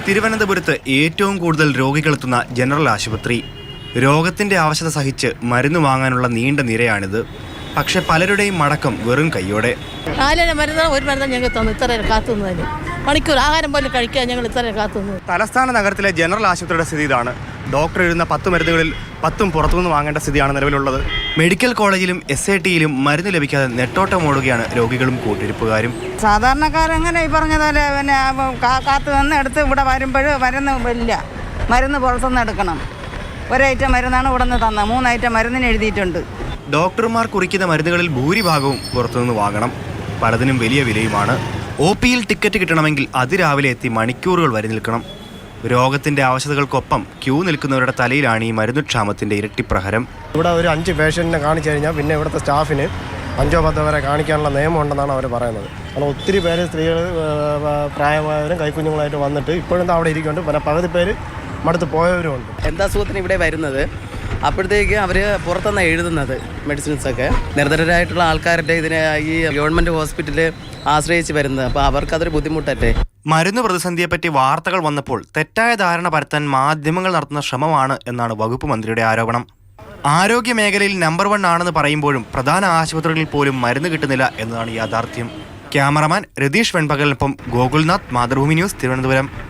തിരുവനന്തപുരത്ത് ഏറ്റവും കൂടുതൽ രോഗികളെത്തുന്ന ജനറൽ ആശുപത്രി. രോഗത്തിന്റെ ആവശ്യത സഹിച്ച് മരുന്ന് വാങ്ങാനുള്ള നീണ്ട നിരയാണിത്. പക്ഷെ പലരുടെയും മടക്കം വെറും കൈയോടെ. ഒരു മരുന്ന് ഞങ്ങൾ തന്നു, ഇത്ര കാത്തുന്നതിന് മണിക്കൂർ ആഹാരം പോലും കഴിക്കാൻ ഞങ്ങൾ ഇത്ര കാത്തുന്നു. തലസ്ഥാന നഗരത്തിലെ ജനറൽ ആശുപത്രിയുടെ സ്ഥിതി ഇതാണ്. ഡോക്ടർ എഴുതുന്ന 10 മരുന്നുകളിൽ 10ഉം പുറത്തുനിന്ന് വാങ്ങേണ്ട സ്ഥിതിയാണ് നിലവിലുള്ളത്. മെഡിക്കൽ കോളേജിലും SITയിലും മരുന്ന് ലഭിക്കാതെ നെട്ടോട്ടമോടുകയാണ് രോഗികളും കൂട്ടിരിപ്പുകാരും. സാധാരണക്കാരെങ്ങനെ ഈ പറഞ്ഞതുപോലെ പിന്നെ കാത്തു നിന്ന് എടുത്ത് ഇവിടെ വരുമ്പോൾ ഇല്ല, മരുന്ന് പുറത്തുനിന്ന് എടുക്കണം. ഒരൈറ്റം മരുന്നാണ് ഇവിടെ നിന്ന് തന്നത്, 3 ഐറ്റം മരുന്നിന് എഴുതിയിട്ടുണ്ട്. ഡോക്ടർമാർ കുറിക്കുന്ന മരുന്നുകളിൽ ഭൂരിഭാഗവും പുറത്തുനിന്ന് വാങ്ങണം. പലതിനും വലിയ വിലയുമാണ്. OPയിൽ ടിക്കറ്റ് കിട്ടണമെങ്കിൽ അതിരാവിലെ എത്തി മണിക്കൂറുകൾ വരെ നിൽക്കണം. രോഗത്തിന്റെ ആവശ്യതകൾക്കൊപ്പം ക്യൂ നിൽക്കുന്നവരുടെ തലയിലാണ് ഈ മരുന്നുക്ഷാമത്തിന്റെ ഇരട്ടിപ്രഹരം. ഇവിടെ ഒരു 5 പേഷ്യൻറ്റിനെ കാണിച്ചു കഴിഞ്ഞാൽ പിന്നെ ഇവിടുത്തെ സ്റ്റാഫിന് 5-10 വരെ കാണിക്കാനുള്ള നിയമമുണ്ടെന്നാണ് അവർ പറയുന്നത്. കാരണം ഒത്തിരി പേര് സ്ത്രീകൾ, പ്രായമായവരും കൈക്കുഞ്ഞുങ്ങളായിട്ട് വന്നിട്ട് ഇപ്പോഴും അവിടെ ഇരിക്കുന്നുണ്ട്. പിന്നെ പകുതി പേര് മടുത്ത് പോയവരുമുണ്ട്. എന്താ അസുഖത്തിന് ഇവിടെ വരുന്നത്, അപ്പോഴത്തേക്ക് അവർ പുറത്തുനിന്ന് എഴുതുന്നത് മെഡിസിൻസൊക്കെ നിർധനരായിട്ടുള്ള ആൾക്കാരുടെ ഇതിനെ ഈ ഗവൺമെൻറ് ഹോസ്പിറ്റലിൽ ആശ്രയിച്ച് വരുന്നത്. അപ്പോൾ അവർക്കതൊരു ബുദ്ധിമുട്ടല്ലേ. മരുന്ന് പ്രതിസന്ധിയെപ്പറ്റി വാർത്തകൾ വന്നപ്പോൾ തെറ്റായ ധാരണ പരത്താൻ മാധ്യമങ്ങൾ നടത്തുന്ന ശ്രമമാണ് എന്നാണ് വകുപ്പ് മന്ത്രിയുടെ ആരോപണം. ആരോഗ്യ മേഖലയിൽ നമ്പർ 1 ആണെന്ന് പറയുമ്പോഴും പ്രധാന ആശുപത്രികളിൽ പോലും മരുന്ന് കിട്ടുന്നില്ല എന്നതാണ് യാഥാർത്ഥ്യം. ക്യാമറമാൻ രതീഷ് വെൺപകലിനൊപ്പം ഗോകുൽനാഥ്, മാതൃഭൂമി ന്യൂസ്, തിരുവനന്തപുരം.